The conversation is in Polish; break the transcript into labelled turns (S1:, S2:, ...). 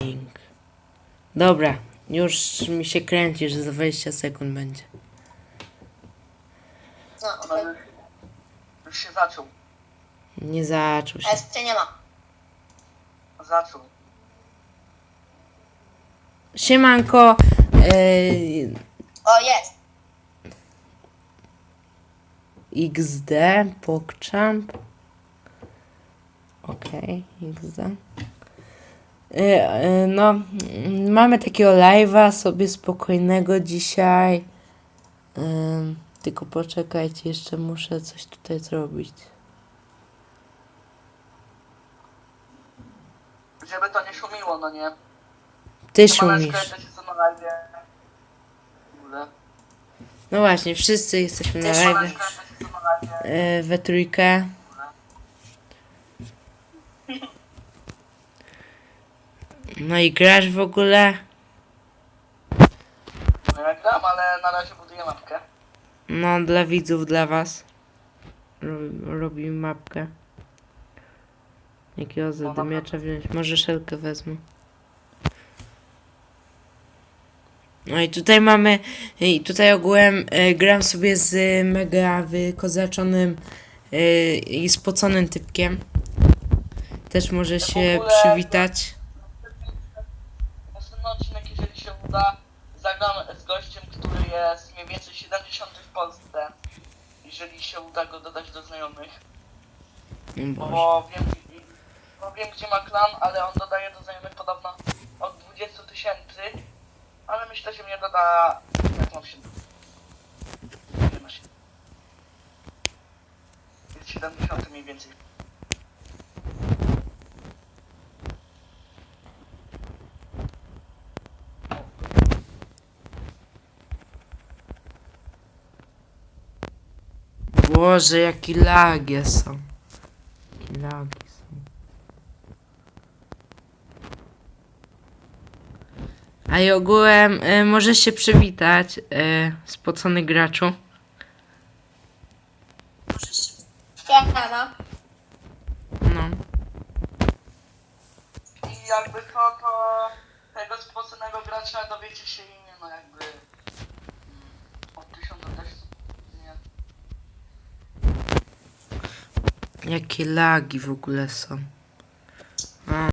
S1: Dobra, już mi się kręci, że za 20 sekund będzie.
S2: No, okej.
S3: Już się zaczął.
S1: Nie zaczął
S2: A
S1: się.
S2: jeszcze nie ma.
S3: Zaczął.
S1: Siemanko.
S2: O, jest.
S1: XD, PogChamp. Okej, XD. No, mamy takiego live'a sobie spokojnego dzisiaj. Tylko poczekajcie, jeszcze muszę coś tutaj zrobić.
S3: Żeby to nie szumiło, no nie?
S1: Ty
S3: Siemaneczko,
S1: szumisz.
S3: ja też jestem na live. W ogóle.
S1: No właśnie, wszyscy jesteśmy na live.
S3: Siemaneczko, ja też jestem na live.
S1: We trójkę. No i grasz w ogóle?
S3: No ja gram, ale na razie buduję mapkę.
S1: No, dla widzów, dla was. Robimy mapkę. Jakiego zadymiacza wziąć? Może szelkę wezmę. No i tutaj mamy... I tutaj ogółem gram sobie z mega wykozaczonym i spoconym typkiem. Też może się
S3: ogóle-
S1: przywitać.
S3: Następny odcinek, jeżeli się uda, zagram z gościem, który jest mniej więcej 70 w Polsce. Jeżeli się uda go dodać do znajomych.
S1: Boże.
S3: Bo wiem gdzie ma klan, ale on dodaje do znajomych podobno od 20 000. Ale myślę, że mnie doda... Jak mam się... Nie ma się. Jest 70 mniej więcej.
S1: Boże, jakie lagi są. Jakie lagi są. A i ogółem możesz się przywitać, spocony graczu.
S2: Siema.
S1: No.
S3: I jakby to tego spoconego gracza dowiecie się imię, no jakby... Od 1000 też... Nie.
S1: Jakie lagi w ogóle są.